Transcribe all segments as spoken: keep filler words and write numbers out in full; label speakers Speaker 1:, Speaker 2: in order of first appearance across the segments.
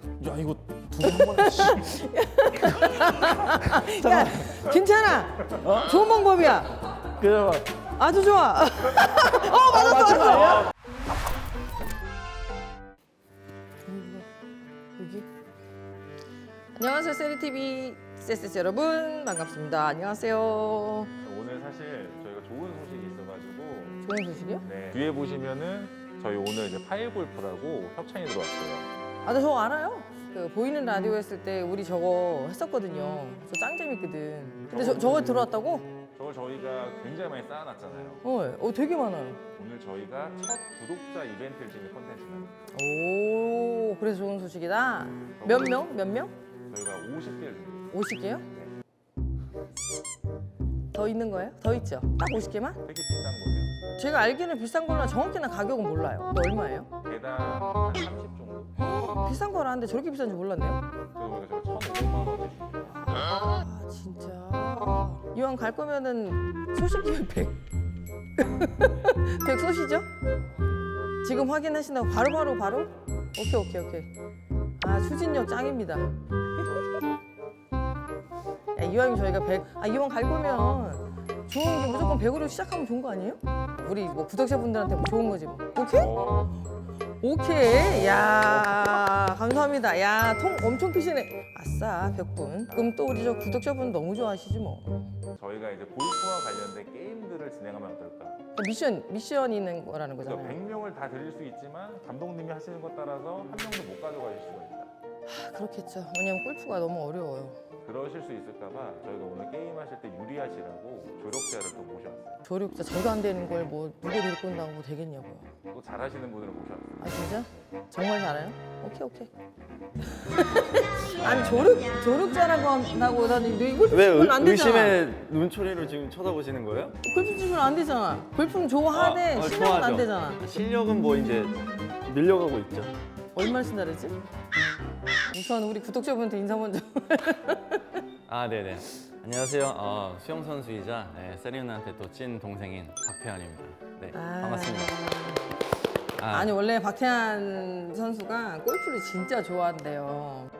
Speaker 1: 야 이거 두번 씨.
Speaker 2: 야, 괜찮아.
Speaker 1: 어?
Speaker 2: 좋은 방법이야.
Speaker 1: 그래
Speaker 2: 아주 좋아. 어, 맞았어, 맞았어. 여기. 안녕하세요, 세리티비 세세스 여러분. 반갑습니다. 안녕하세요.
Speaker 3: 오늘 사실 저희가 좋은 소식이 있어가지고
Speaker 2: 좋은 소식이요?
Speaker 3: 네. 뒤에 보시면은 저희 오늘 이제 파일 골프라고 협찬이 들어왔어요.
Speaker 2: 아, 나 저거 알아요. 그 보이는 라디오 했을 때 우리 저거 했었거든요. 저 짱 재밌거든. 근데 저, 저거 들어왔다고?
Speaker 3: 저걸 저희가 굉장히 많이 쌓아놨잖아요.
Speaker 2: 어, 어, 되게 많아요.
Speaker 3: 오늘 저희가 첫 구독자 이벤트를 진행 콘텐츠입니다.
Speaker 2: 오, 그래서 좋은 소식이다. 몇 명? 몇 명?
Speaker 3: 저희가 오십 개를 준비했어요.
Speaker 2: 오십 개요? 더 있는 거예요? 더 있죠? 딱 오십 개만?
Speaker 3: 되게 비싼 거예요.
Speaker 2: 제가 알기는 비싼 거나 정확히는 가격은 몰라요. 근데 얼마예요?
Speaker 3: 개당 한 삼십 정도.
Speaker 2: 비싼 거라는데 저렇게 비싼지 몰랐네요.
Speaker 3: 그래서 저희가 천오백만 원에 준비했어요.
Speaker 2: 아, 진짜. 이왕 갈 거면은 소식이면 백. 백 쏘시죠? 지금 확인하신다고 바로바로 바로, 바로? 오케이, 오케이, 오케이. 아, 추진력 짱입니다. 야, 이왕 저희가 백, 아, 이왕 갈 거면 좋은 게 무조건 백으로 시작하면 좋은 거 아니에요? 우리 뭐 구독자분들한테 뭐 좋은 거지 뭐. 오케이?
Speaker 3: 어,
Speaker 2: 오케이. 야, 감사합니다. 야, 통 엄청 피시네. 아싸, 백 분. 그럼 또 우리 저 구독자분 너무 좋아하시지 뭐.
Speaker 3: 저희가 이제 골프와 관련된 게임들을 진행하면 어떨까?
Speaker 2: 미션, 미션 있는 거라는
Speaker 3: 그래서
Speaker 2: 거잖아요.
Speaker 3: 백 명을 다 드릴 수 있지만 감독님이 하시는 것 따라서 한 명도 못 가져가실 수가 있다.
Speaker 2: 아, 그렇겠죠. 왜냐면 골프가 너무 어려워요.
Speaker 3: 그러실 수 있을까봐 저희가 오늘 게임하실 때 유리하시라고 조력자를 또 모셔왔어요.
Speaker 2: 조력자 저도 안 되는 걸 뭐 누구 데리고 온다고 뭐 되겠냐고요.
Speaker 3: 또 잘하시는 분을 모셔왔어요.
Speaker 2: 아, 진짜? 정말 잘해요? 오케이, 오케이. 아니, 조력, 조력자라고 한다고 나는 너 골프
Speaker 1: 왜
Speaker 2: 치면 안
Speaker 1: 의,
Speaker 2: 되잖아.
Speaker 1: 의심의 눈초리로 지금 쳐다보시는 거예요?
Speaker 2: 골프 치면 안 되잖아. 골프는 좋아하되
Speaker 1: 아, 아,
Speaker 2: 실력은 안
Speaker 1: 좋아하죠.
Speaker 2: 되잖아.
Speaker 1: 실력은 뭐 이제 늘려가고 있죠.
Speaker 2: 얼마나 쓴다 그랬지? 우선 우리 구독자분한테 인사 먼저.
Speaker 1: 아 네네. 안녕하세요. 어, 수영 선수이자 네, 세리누나한테 또 찐 동생인 박태환입니다. 네
Speaker 2: 아.
Speaker 1: 반갑습니다. 아,
Speaker 2: 아니, 원래 박태환 선수가 골프를 진짜 좋아한대요.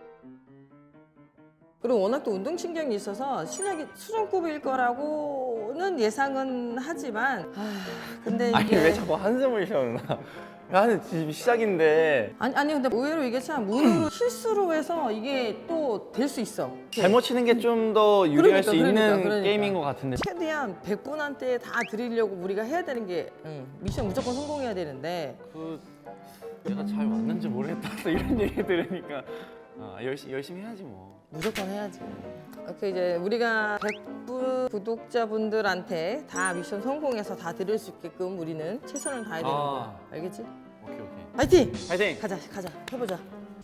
Speaker 2: 그리고 워낙 또 운동신경이 있어서 실력이 수준급일 거라고는 예상은 하지만, 아, 근데 이게
Speaker 1: 아니 왜 자꾸 한숨을 쉬어 누나? 나는 지금 시작인데
Speaker 2: 아니, 아니 근데 의외로 이게 참 운으로 실수로 해서 이게 또 될 수 있어.
Speaker 1: 잘못 치는 게 좀 더 유리할
Speaker 2: 그러니까,
Speaker 1: 수
Speaker 2: 그러니까,
Speaker 1: 있는
Speaker 2: 그러니까.
Speaker 1: 게임인 것 같은데.
Speaker 2: 최대한 백 분한테 다 드리려고 우리가 해야 되는 게 응, 미션 무조건 성공해야 되는데
Speaker 1: 그 내가 잘 왔는지 모르겠다. 또 이런 얘기 들으니까 아, 열심히 열심히 해야지 뭐.
Speaker 2: 무조건 해야지. 이렇게 이제 우리가 백 분 구독자분들한테 다 미션 성공해서 다 드릴 수 있게끔 우리는 최선을 다해야 되는
Speaker 1: 아.
Speaker 2: 거야. 알겠지?
Speaker 1: 오케이 오케이.
Speaker 2: 파이팅!
Speaker 1: 파이팅!
Speaker 2: 가자, 가자, 해보자.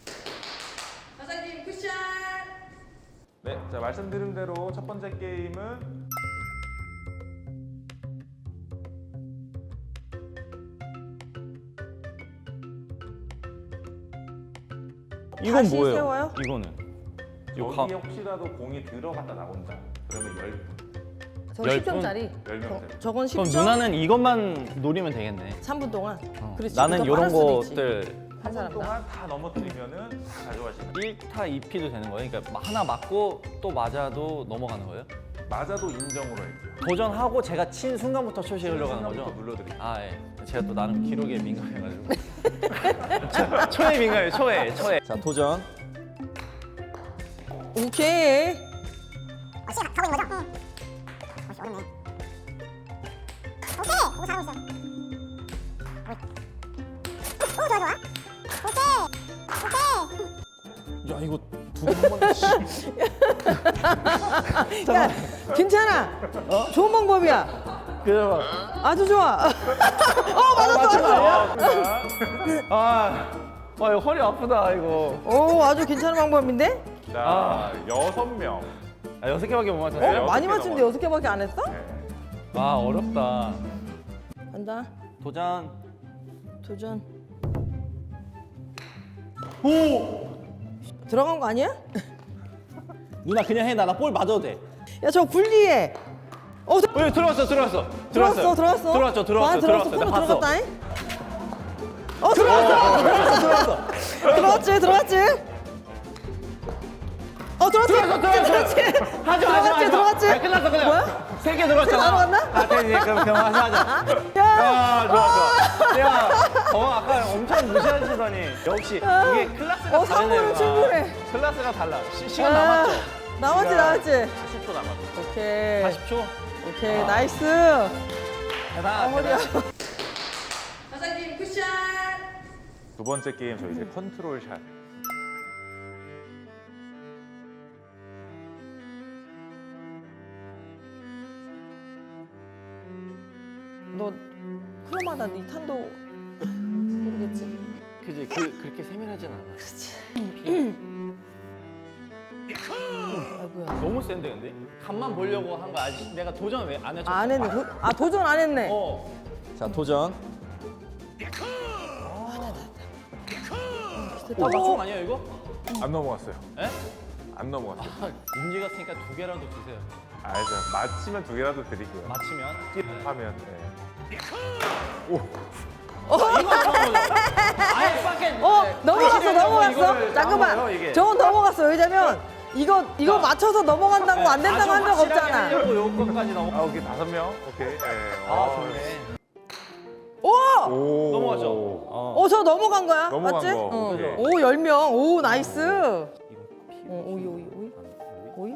Speaker 2: 사장님 쿠션!
Speaker 3: 네, 자 말씀드린 대로 첫 번째 게임은
Speaker 1: 이건
Speaker 2: 다시
Speaker 1: 뭐예요?
Speaker 2: 세워요?
Speaker 1: 이거는 이거
Speaker 3: 여기에
Speaker 1: 가-
Speaker 3: 혹시라도 공이 들어갔다 나온다. 그러면 열 분.
Speaker 2: 저거
Speaker 1: 열
Speaker 2: 십 점짜리.
Speaker 3: 열 명짜리.
Speaker 2: 저건
Speaker 1: 그럼
Speaker 2: 십 점.
Speaker 1: 누나는 이것만 노리면 되겠네.
Speaker 2: 삼 분 동안.
Speaker 1: 어.
Speaker 2: 그렇지.
Speaker 1: 나는
Speaker 2: 더
Speaker 1: 이런
Speaker 2: 빠를 수도 있지.
Speaker 1: 것들
Speaker 2: 한
Speaker 3: 한
Speaker 2: 사람 다.
Speaker 3: 동안 다 넘어뜨리면은 다 가져가시는.
Speaker 1: 일 타 이 피도 되는 거예요? 그러니까 하나 맞고 또 맞아도 넘어가는 거예요?
Speaker 3: 맞아도 인정으로 할게요.
Speaker 1: 도전하고 제가 친 순간부터 숏이 흘러가는 거죠?
Speaker 3: 순간부터 눌러드릴게요.
Speaker 1: 아 예. 제가 또 나름 기록에 민감해가지고 초, 초에 민감해요. 초에 초에. 자 도전.
Speaker 2: 오케이.
Speaker 4: 어, 시작 가고 있는 거죠? 응. 어씨 어렵네. 오케이. 오 잘하고 있어. 오 좋아 좋아. 오케이. 오케이.
Speaker 1: 야 이거 두번 씨.
Speaker 2: 야, 괜찮아. 좋은 방법이야.
Speaker 1: 그래 봐.
Speaker 2: 아주 좋아. 어, 맞았어, 맞았어.
Speaker 1: 아, 와 이거 허리 아프다 이거.
Speaker 2: 오, 아주 괜찮은 방법인데?
Speaker 3: 자,
Speaker 1: 아.
Speaker 3: 여섯 명.
Speaker 1: 아 여섯 개밖에 못
Speaker 2: 어,
Speaker 1: 맞췄어요?
Speaker 3: 여섯
Speaker 2: 많이
Speaker 3: 개
Speaker 2: 맞춘데
Speaker 3: 넘어요.
Speaker 2: 여섯 개밖에 안 했어?
Speaker 3: 네.
Speaker 1: 아 어렵다.
Speaker 2: 간다.
Speaker 1: 도전.
Speaker 2: 도전.
Speaker 1: 오.
Speaker 2: 들어간 거 아니야?
Speaker 1: 누나 그냥 해. 나 나 볼 맞아도 돼.
Speaker 2: 야, 저 굴리에. 어, 저-
Speaker 1: 어, 들어왔어, 들어왔어.
Speaker 2: 들어왔어, 들어왔어.
Speaker 1: 들어왔죠, 들어왔죠,
Speaker 2: 아, 들어왔어.
Speaker 1: 들어왔어.
Speaker 2: 코너
Speaker 1: 나 봤어.
Speaker 2: 들어갔다잉? 어 들어왔어. 들어왔어. 들어왔어. 들어왔지. 들어왔지. 어 들어왔지.
Speaker 1: 들어왔어, 들어왔어.
Speaker 2: 들어왔지.
Speaker 1: 하지 마, 하지 마,
Speaker 2: 들어왔지.
Speaker 1: 하지 마.
Speaker 2: 들어왔지.
Speaker 1: 아, 끝났어, 끝났어.
Speaker 2: 뭐야?
Speaker 1: 세 개 들어왔잖아.
Speaker 2: 세 개 들어왔나?
Speaker 1: 아, 됐지. 그럼 그럼 하자, 하자.
Speaker 2: 야.
Speaker 1: 야, 좋아, 좋아. 야, 어, 아까 엄청 무시하시더니 역시 이게 클래스가
Speaker 2: 어, 삼 분은
Speaker 1: 다르네.
Speaker 2: 충분해.
Speaker 1: 클래스가 달라. 시, 시간
Speaker 2: 아,
Speaker 1: 남았죠?
Speaker 2: 남았지 남았지.
Speaker 1: 사십 초 남았어.
Speaker 2: 오케이.
Speaker 1: 사십 초?
Speaker 2: 오케이
Speaker 1: 아.
Speaker 2: 나이스.
Speaker 1: 대단.
Speaker 2: 아 허리야.
Speaker 1: 대단.
Speaker 2: 사장님 쿠션.
Speaker 3: 두 번째 게임 저희 이제 컨트롤 샷.
Speaker 2: 너 클로마다 니탄도 모르겠지.
Speaker 1: 그지, 그 그렇게 세밀하진 않아.
Speaker 2: 아이고야.
Speaker 1: 너무 센데 근데? 간만 보려고 한 거 아직 내가 도전 왜 안 해줬어?
Speaker 2: 안 했네. 도, 아 도전 안 했네.
Speaker 1: 어. 자 도전.
Speaker 2: 됐다.
Speaker 1: 어, 맞춤 아니야 이거?
Speaker 3: 안 넘어갔어요.
Speaker 1: 에?
Speaker 3: 안 넘어갔어요.
Speaker 1: 아, 문제 같으니까 두 개라도 주세요.
Speaker 3: 아, 저 맞히면 두 개라도 드릴게요.
Speaker 1: 맞히면.
Speaker 3: 하면. 네.
Speaker 1: 자, 이거 처음 보자. 아예 밖에.
Speaker 2: 어
Speaker 1: 네,
Speaker 2: 넘어갔어
Speaker 1: 이거를
Speaker 2: 넘어갔어.
Speaker 1: 나온 거예요,
Speaker 2: 잠깐만.
Speaker 1: 이게.
Speaker 2: 저건 넘어갔어. 왜냐면 이거 이거
Speaker 1: 자.
Speaker 2: 맞춰서 넘어간다고 안 된다고 한 적
Speaker 1: 아주 확실하게
Speaker 2: 없잖아.
Speaker 1: 하려고 요거까지 넘어.
Speaker 3: 아, 오케이. 다섯 명. 오케이. 네.
Speaker 1: 아 좋네.
Speaker 2: 오!
Speaker 3: 오.
Speaker 1: 넘어가죠. 어.
Speaker 2: 어, 저 넘어간 거야?
Speaker 3: 넘어간
Speaker 2: 맞지?
Speaker 3: 거.
Speaker 2: 어.
Speaker 3: 오케이.
Speaker 2: 오, 열 명. 오, 나이스.
Speaker 1: 이거 피.
Speaker 2: 어, 오이, 오이, 오이. 오이?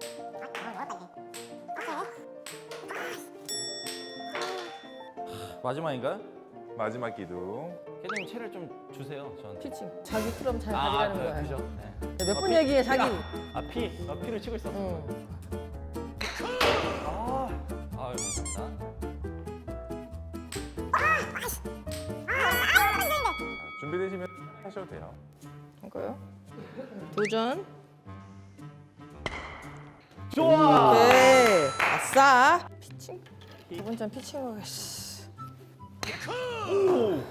Speaker 1: 마지막인가요?
Speaker 3: 마지막 기둥.
Speaker 1: 캐디님 채를 좀 주세요. 저한테.
Speaker 2: 피칭. 자기 트럼 잘
Speaker 1: 아,
Speaker 2: 가져가는
Speaker 1: 그래,
Speaker 2: 거야.
Speaker 1: 그죠. 네.
Speaker 2: 몇
Speaker 1: 아,
Speaker 2: 분
Speaker 1: 피-
Speaker 2: 얘기해,
Speaker 1: 피-
Speaker 2: 자기.
Speaker 1: 아, 아 피, 아, 피를 치고 있었어.
Speaker 2: 응.
Speaker 1: 아, 아유 감사합니다.
Speaker 3: 준비되시면 하셔도 돼요.
Speaker 2: 할까요? 도전.
Speaker 1: 좋아.
Speaker 2: 오케이. 아싸. 피칭. 두 번째는 피칭으로 가시.
Speaker 1: 오.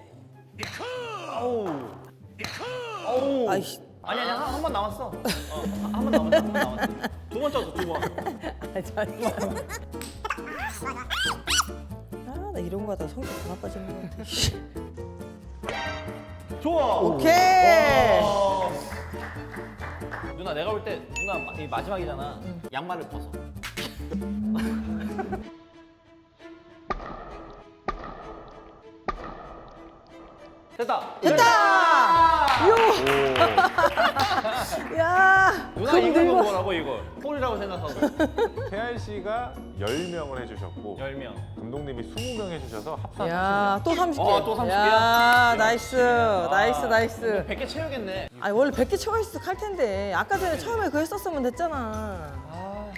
Speaker 1: 아우. 아우.
Speaker 2: 아이씨.
Speaker 1: 아니 아니 한 번 남았어. 어, 한 번 남았어. 한 번 남았어. 두 번 쳤어 두 번.
Speaker 2: 아, 잠시만. 아, 나 이런 거 하다 성격 다 나빠지는 거 같아.
Speaker 1: 좋아.
Speaker 2: 오케이.
Speaker 1: 와. 누나 내가 볼 때 누나 마- 이 마지막이잖아. 양말을 벗어. 됐다.
Speaker 2: 됐다! 요! 야!
Speaker 1: 누나
Speaker 2: 금
Speaker 1: 이거
Speaker 2: 들고
Speaker 1: 뭐라고 이거? 폴이라고 생각하고.
Speaker 3: 태안 씨가 열 명을 해주셨고
Speaker 1: 열 명.
Speaker 3: 감독님이 스무 명 해주셔서 합산
Speaker 2: 야, 또 삼십 개.
Speaker 1: 어, 또 삼십 개야?
Speaker 2: 야, 나이스. 나이스,
Speaker 1: 아,
Speaker 2: 나이스.
Speaker 1: 백 개 채우겠네.
Speaker 2: 아니, 원래 백 개 채워 있어 할 텐데. 아까 전에 처음에 그거 했었으면 됐잖아.
Speaker 1: 아.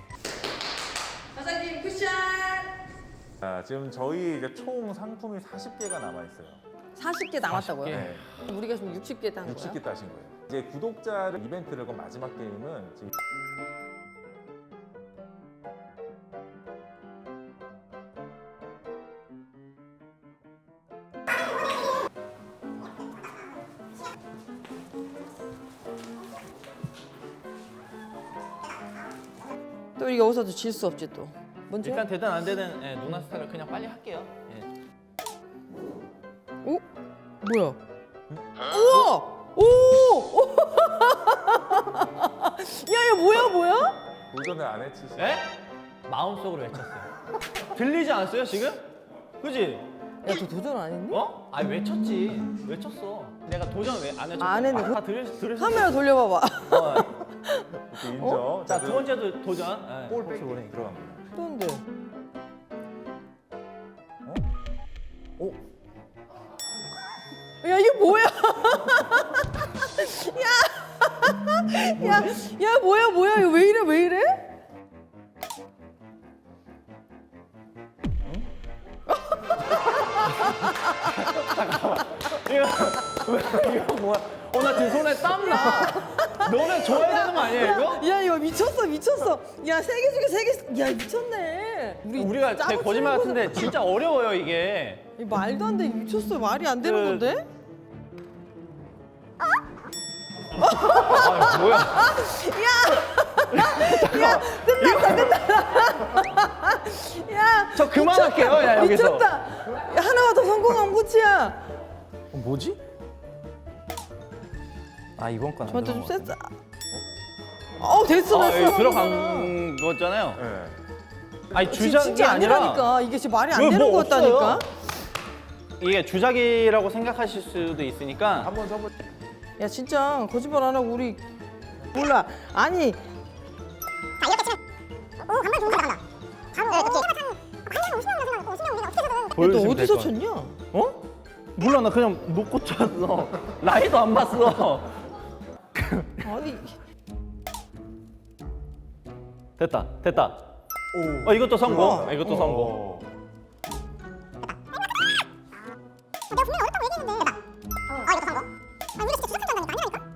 Speaker 2: 사장님 쿠션.
Speaker 3: 자, 지금 저희 이제 총 상품이 사십 개가 남아 있어요.
Speaker 2: 사십 개 남았다고요?
Speaker 1: 개.
Speaker 3: 네.
Speaker 2: 우리가 지금 육십 개 딴 거야?
Speaker 3: 육십 개 따신 거예요. 이제 구독자를 이벤트를 건 마지막 게임은 지금
Speaker 2: 또 우리가 여기서도 질 수 없지 또. 뭔지?
Speaker 1: 일단 되든 안 되든 예, 누나 스타일을 그냥 빨리 할게요. 예.
Speaker 2: 오? 뭐야? 우와! 오! 오! 야, 이거 뭐야, 뭐야?
Speaker 3: 도전을 안 해치시.
Speaker 1: 예? 마음속으로 외쳤어요. 들리지 않았어요 지금? 그지?
Speaker 2: 야, 너 도전 안 했니?
Speaker 1: 어? 아니 외쳤지. 외쳤어. 내가 도전 왜 안 해줬어?
Speaker 2: 안 했네.
Speaker 1: 아, 다 들으, 들으셨어?
Speaker 2: 카메라 돌려봐봐.
Speaker 1: 어.
Speaker 3: 이렇게 인정.
Speaker 1: 자, 두 번째도 도전. 예.
Speaker 3: 볼 빼기 들어간 거예요.
Speaker 2: 또인데.
Speaker 3: 어? 오,
Speaker 2: 야, 이게 뭐야? 야! 야, 야, 뭐야, 뭐야? 이거 왜 이래, 왜 이래?
Speaker 1: 이거 이거 뭐야? 어 나 지금 손에 땀 나. 너네 좋아해야 되는 거 아니야 이거?
Speaker 2: 야, 이거 미쳤어, 미쳤어. 야, 세 개 중에 세 개. 야, 미쳤네. 우리
Speaker 1: 우리가
Speaker 2: 짜고
Speaker 1: 되게 거짓말
Speaker 2: 치는
Speaker 1: 같은데 진짜 어려워요 이게.
Speaker 2: 거- 이거 말도 안 돼. 미쳤어. 말이 안 되는
Speaker 1: 그-
Speaker 2: 건데?
Speaker 1: 아 뭐야?
Speaker 2: 야, 끝났다, 끝났다. 야,
Speaker 1: 저 그만할게요 야 여기서.
Speaker 2: 미쳤다. 야, 하나만 더 성공하면 끝이야.
Speaker 1: 뭐지? 아 이번 건안
Speaker 2: 저한테 좀
Speaker 1: 들어간 것
Speaker 2: 셌어. 어 됐어
Speaker 1: 같은데. 아,
Speaker 2: 됐어.
Speaker 1: 여기 들어간 거잖아요.
Speaker 3: 네.
Speaker 1: 아니
Speaker 2: 지금
Speaker 1: 주작이
Speaker 2: 진짜
Speaker 1: 아니라
Speaker 2: 아니라니까. 이게 지금 말이 안
Speaker 1: 왜
Speaker 2: 되는
Speaker 1: 뭐
Speaker 2: 것 같다니까.
Speaker 1: 없어요? 이게 주작이라고 생각하실 수도 있으니까
Speaker 3: 한번 써보.
Speaker 2: 야 진짜 거짓말 안 하고 우리 몰라. 아니
Speaker 4: 자 이렇게 치면 오 간만 좋은 데 나간다. 바로 네, 그치. 관련 오십 명 나서 오십 명 우리가 어떻게 해서든
Speaker 2: 너
Speaker 1: 보여주시면 될
Speaker 2: 어디서
Speaker 1: 것 같아요.
Speaker 2: 쳤냐?
Speaker 1: 어? 몰라 나 그냥 놓고 쳤어. 라이도 안 봤어.
Speaker 2: 아니
Speaker 1: 됐다 됐다.
Speaker 3: 오.
Speaker 1: 어 이것도 성공.
Speaker 2: 우와.
Speaker 1: 아, 이것도 성공.
Speaker 3: 어.
Speaker 4: 내가 분명히 어렵다고 얘기했는데 됐다. 아 이거 성공. 아 우리 진짜 주작한다니까 아니라니까.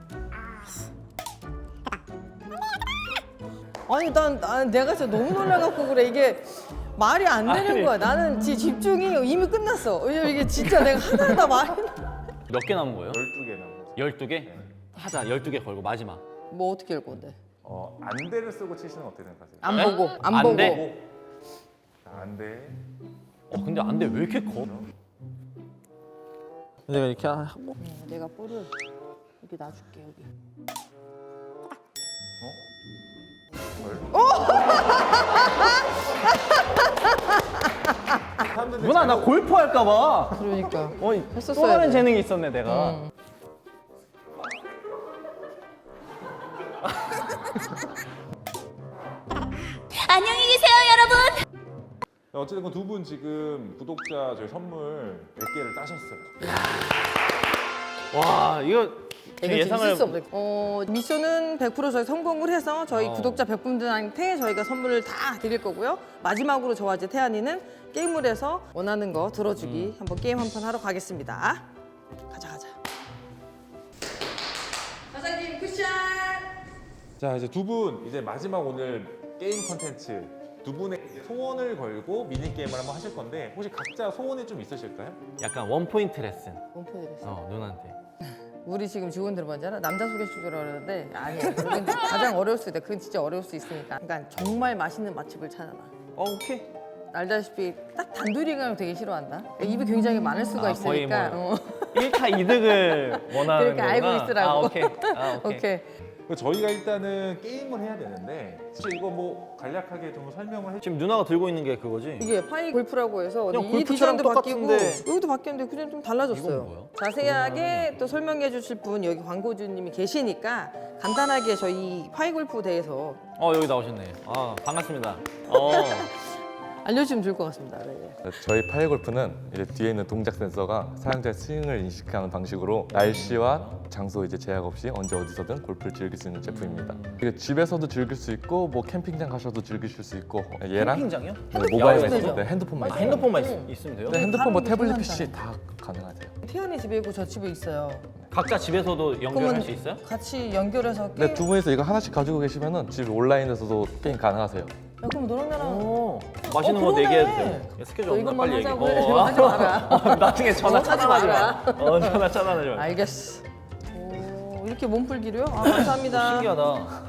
Speaker 2: 아니 난, 난 내가 진짜 너무 놀라갖고 그래. 이게 말이 안 되는
Speaker 1: 아니.
Speaker 2: 거야. 나는 지 집중이 이미 끝났어. 왜냐면 이게 진짜 내가 하나하나 말이
Speaker 1: 몇 개 남은 거예요?
Speaker 3: 열두 개 남은 거죠.
Speaker 1: 열두 개? 하자. 열두 개 걸고 마지막.
Speaker 2: 뭐 어떻게 할 건데?
Speaker 3: 어, 안대를 쓰고 치시는 어떻게 생각하세요?
Speaker 2: 안
Speaker 1: 네?
Speaker 2: 보고 안,
Speaker 1: 안
Speaker 2: 보고.
Speaker 1: 돼?
Speaker 3: 자, 안대.
Speaker 1: 어 근데 안 돼. 왜 이렇게 커? 내가 이렇게 하고
Speaker 2: 어, 내가 볼을 여기 놔줄게 여기.
Speaker 3: 사람들이
Speaker 1: 누나 나
Speaker 3: 잘-
Speaker 1: 골프 할까 봐.
Speaker 2: 그러니까.
Speaker 1: 어,
Speaker 2: 했었어야
Speaker 1: 또 다른
Speaker 2: 돼.
Speaker 1: 재능이 있었네 내가.
Speaker 2: 응.
Speaker 5: 안녕히 계세요, 여러분.
Speaker 3: 어쨌든 두 분 지금 구독자 저희 선물 백 개를 따셨어요.
Speaker 1: 와 이거 제
Speaker 2: 이거
Speaker 1: 예상을
Speaker 2: 있을 수 없어. 어, 미션은 백 퍼센트 저희 성공을 해서 저희
Speaker 1: 어.
Speaker 2: 구독자 백 분들한테 저희가 선물을 다 드릴 거고요. 마지막으로 저와 이제 태안이는 게임을 해서 원하는 거 들어주기 한번 게임 한 판 하러 가겠습니다. 가자 가자. 사장님 쿠션.
Speaker 3: 자 이제 두 분 이제 마지막 오늘 게임 컨텐츠 두 분의 소원을 걸고 미니 게임을 한번 하실 건데 혹시 각자 소원이 좀 있으실까요?
Speaker 1: 약간 원 포인트 레슨.
Speaker 2: 원포드렸어.
Speaker 1: 어 누나한테.
Speaker 2: 우리 지금 직원들 뭔지 알아? 남자 소개시켜주라 그러는데 아니야. 그건 가장 어려울 수 있다. 그건 진짜 어려울 수 있으니까. 그러니까 정말 맛있는 맛집을 찾아라.
Speaker 1: 어 오케이.
Speaker 2: 알다시피 딱 단둘이 가면 되게 싫어한다. 입이 굉장히 많을 수가
Speaker 1: 아, 거의
Speaker 2: 있으니까.
Speaker 1: 뭐
Speaker 2: 어.
Speaker 1: 일 차 이득을 원하는
Speaker 2: 그러니까
Speaker 1: 거구나.
Speaker 2: 알고 있으라고.
Speaker 1: 아 오케이. 아 오케이.
Speaker 2: 오케이.
Speaker 3: 저희가 일단은 게임을 해야 되는데 혹시 이거 뭐 간략하게 좀 설명을 해
Speaker 1: 지금 누나가 들고 있는 게 그거지?
Speaker 2: 이게 파이 골프라고 해서
Speaker 1: 그냥
Speaker 2: 이
Speaker 1: 골프처럼
Speaker 2: 디자인도 바뀌고
Speaker 1: 똑같은데.
Speaker 2: 여기도 바뀌었는데 그냥 좀 달라졌어요.
Speaker 1: 이건 뭐야?
Speaker 2: 자세하게 또 설명해 주실 분 여기 광고주님이 계시니까 간단하게 저희 파이 골프 대해서
Speaker 1: 어 여기 나오셨네. 아 반갑습니다. 어.
Speaker 2: 알려주시면 좋을 것 같습니다. 네.
Speaker 6: 저희 파이 골프는 이제 뒤에 있는 동작 센서가 사용자의 스윙을 인식하는 방식으로 날씨와 장소 이제 제약 없이 언제 어디서든 골프를 즐길 수 있는 제품입니다. 이게 집에서도 즐길 수 있고 뭐 캠핑장 가셔도 즐기실 수 있고 얘랑
Speaker 1: 캠핑장이요?
Speaker 6: 네, 모바일만
Speaker 2: 되죠?
Speaker 6: 있으면 네, 핸드폰만
Speaker 1: 아
Speaker 6: 있으면
Speaker 1: 핸드폰만
Speaker 2: 응.
Speaker 1: 있, 있으면 돼요?
Speaker 6: 네, 핸드폰 뭐
Speaker 2: 사람들이
Speaker 6: 태블릿
Speaker 2: 편한다.
Speaker 6: 피씨 다 가능하세요.
Speaker 2: 태연이 집에 있고 저 집에 있어요.
Speaker 1: 각자 집에서도 연결할 수 있어요?
Speaker 2: 같이 연결해서 게임.
Speaker 6: 네, 두 분이서 이거 하나씩 가지고 계시면은 집 온라인에서도 게임 가능하세요.
Speaker 2: 야, 그럼 너랑 나랑
Speaker 1: 오. 맛있는
Speaker 2: 어,
Speaker 1: 거
Speaker 2: 그러네.
Speaker 1: 얘기해도 돼. 야, 스케줄
Speaker 2: 너
Speaker 1: 없나
Speaker 2: 이것만
Speaker 1: 빨리 얘기해.
Speaker 2: 하자고 해. 하지 마라.
Speaker 1: 어, 나중에 전화
Speaker 2: 어, 하지
Speaker 1: 차단하지 마.
Speaker 2: 마라.
Speaker 1: 어 전화 차단하지 마.
Speaker 2: 알겠어. 오, 이렇게 몸풀기로요? 아 감사합니다.
Speaker 1: 신기하다.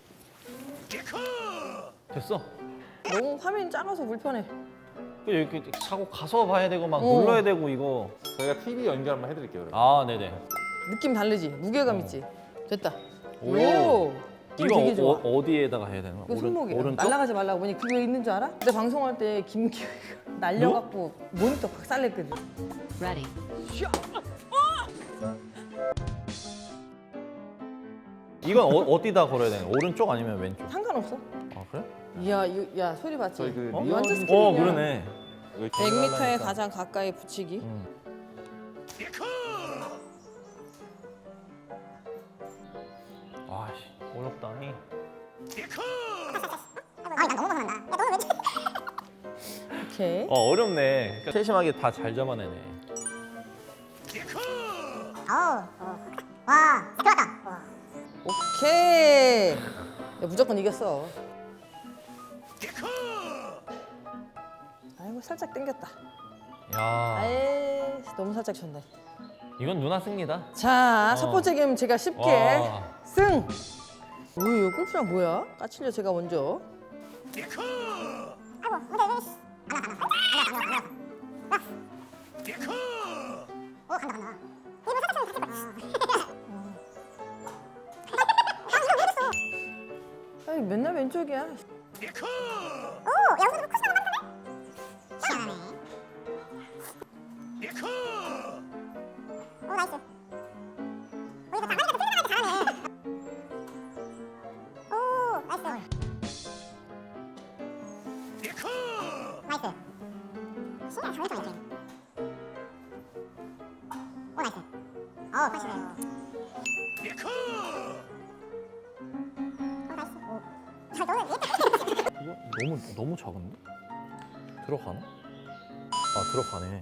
Speaker 1: 됐어.
Speaker 2: 너무 화면이 작아서 불편해.
Speaker 1: 그 이렇게 사고 가서 봐야 되고 막
Speaker 2: 어.
Speaker 1: 눌러야 되고 이거.
Speaker 3: 저희가 티비 연결 한번 해드릴게요. 여러분.
Speaker 1: 아 네네.
Speaker 2: 느낌 다르지? 무게감 있지? 됐다.
Speaker 1: 오.
Speaker 2: 오. 좀
Speaker 1: 이거
Speaker 2: 되게 좋아.
Speaker 1: 어, 디에다가 해야 되는 거야?
Speaker 2: 이거 손목이야.
Speaker 1: 오른쪽?
Speaker 2: 날아가지 말라고 보니 그게 있는 줄 알아? 근데 방송할 때 김기현이가 날려갖고 모니터 박살냈거든.
Speaker 5: Ready.
Speaker 1: 이건 어, 어디다 걸어야 되는 거야? 오른쪽 아니면 왼쪽?
Speaker 2: 상관없어.
Speaker 1: 아 그래?
Speaker 2: 이야, 이, 야 소리 봤지?
Speaker 3: 저희 그
Speaker 1: 어?
Speaker 2: 이거 완전
Speaker 3: 리얼-
Speaker 2: 스킬이야.
Speaker 1: 어 그러네.
Speaker 3: 이거
Speaker 2: 백 미터에
Speaker 3: 하려니까.
Speaker 2: 가장 가까이 붙이기.
Speaker 1: 음. 아씨 어렵다. 이.
Speaker 4: 아니 난 너무 화난다. 야 너는 왜 이렇게
Speaker 2: 오케이.
Speaker 1: 어 어렵네. 그러니까 세심하게 다 잘 잡아내네.
Speaker 4: 어우 어. 와 들어왔다. 와.
Speaker 2: 오케이. 야, 무조건 이겼어. 아이고 살짝 당겼다.
Speaker 1: 야
Speaker 2: 아이 너무 살짝 쳤네.
Speaker 1: 이건 누나 승리다.
Speaker 2: 자,
Speaker 1: 어.
Speaker 2: 첫 번째 게임 제가 쉽게
Speaker 1: 와.
Speaker 2: 승. 뭐예요? 골프장 뭐야? 까칠려 제가 먼저.
Speaker 4: 아이고 근데 왜 씨. 안와 안와 안와 안와 안와. 오 간다 간다.
Speaker 2: 아니 맨날 왼쪽이야.
Speaker 4: 오, 여기서도 코스가 많던데? 희한하네. 오, 나이스. 오, 이거 나가니까 또 잘하네. 오, 나이스. 나이스. 신기하게 잘했죠, 이렇게. 오, 나이스. 어, 팔십네. 어, 나이스. 오. 잘 넣어.
Speaker 1: 이거 너무 너무 작은데? 들어가나? 아 들어가네.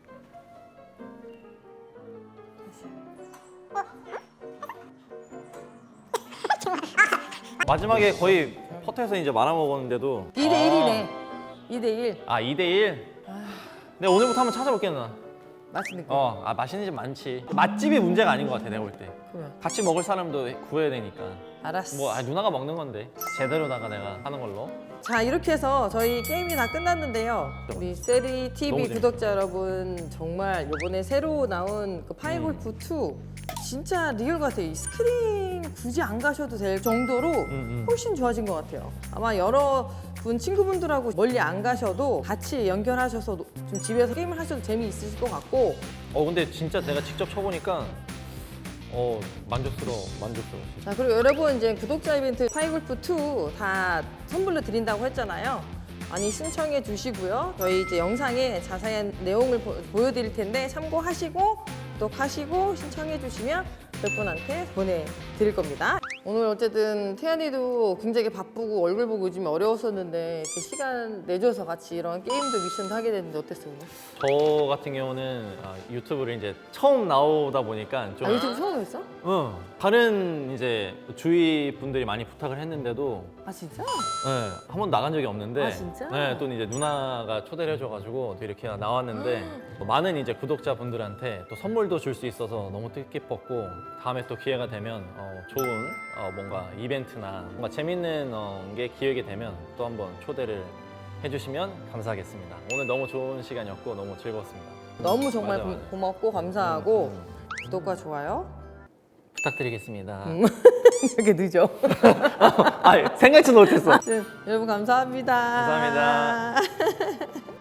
Speaker 1: 마지막에 거의 퍼트에서 이제 말아 먹었는데도
Speaker 2: 이 대 일이네. 이 대 일.
Speaker 1: 아 이 대 일. 근데 오늘부터 한번 찾아볼게 누나.
Speaker 2: 맛있는 거.
Speaker 1: 어, 아 맛있는 집 많지. 맛집이 문제가 아닌 것 같아 내가 볼 때.
Speaker 2: 그래.
Speaker 1: 같이 먹을 사람도 구해야 되니까.
Speaker 2: 알았어.
Speaker 1: 뭐 아, 누나가 먹는 건데 제대로다가 내가 하는 걸로.
Speaker 2: 자 이렇게 해서 저희 게임이 다 끝났는데요. 우리 세리
Speaker 1: 너무
Speaker 2: 티비
Speaker 1: 재밌다.
Speaker 2: 구독자 여러분 정말 이번에 새로 나온 그 파이골프 투 진짜 리얼 같아요. 이 스크린 굳이 안 가셔도 될 정도로
Speaker 1: 음.
Speaker 2: 훨씬 좋아진 것 같아요. 아마 여러 분 친구분들하고 멀리 안 가셔도 같이 연결하셔서 노- 좀 집에서 게임을 하셔도 재미있으실 것 같고
Speaker 1: 어 근데 진짜 내가 직접 쳐보니까 어 만족스러워 만족스러워. 진짜.
Speaker 2: 자 그리고 여러분 이제 구독자 이벤트 파이골프 투 다 선물로 드린다고 했잖아요. 많이 신청해 주시고요. 저희 이제 영상에 자세한 내용을 보, 보여드릴 텐데 참고하시고 구독하시고 신청해 주시면 몇 분한테 보내드릴 겁니다. 오늘 어쨌든 태연이도 굉장히 바쁘고 얼굴 보고 요즘 어려웠었는데 이렇게 시간 내줘서 같이 이런 게임도 미션도 하게 됐는데 어땠어요 오늘?
Speaker 1: 저 같은 경우는 아, 유튜브를 이제 처음 나오다 보니까 좀
Speaker 2: 아 유튜브 처음 했어?
Speaker 1: 어, 다른 이제 주위 분들이 많이 부탁을 했는데도
Speaker 2: 아 진짜?
Speaker 1: 네, 한 번도 나간 적이 없는데
Speaker 2: 아, 진짜?
Speaker 1: 네, 또 이제 누나가 초대를 해줘가지고 또 이렇게 나왔는데 또 많은 이제 구독자분들한테 또 선물도 줄 수 있어서 너무 뜻깊었고 다음에 또 기회가 되면 어, 좋은 어, 뭔가 이벤트나 뭔가 재밌는 어, 게 기회가 되면 또 한번 초대를 해주시면 감사하겠습니다. 오늘 너무 좋은 시간이었고 너무 즐거웠습니다.
Speaker 2: 너무 정말
Speaker 1: 맞아,
Speaker 2: 고-
Speaker 1: 맞아.
Speaker 2: 고맙고 감사하고
Speaker 1: 음,
Speaker 2: 구독과 좋아요
Speaker 1: 부탁드리겠습니다.
Speaker 2: 이렇게 늦어.
Speaker 1: 아 생각지 못했어.
Speaker 2: 네, 여러분 감사합니다.
Speaker 1: 감사합니다.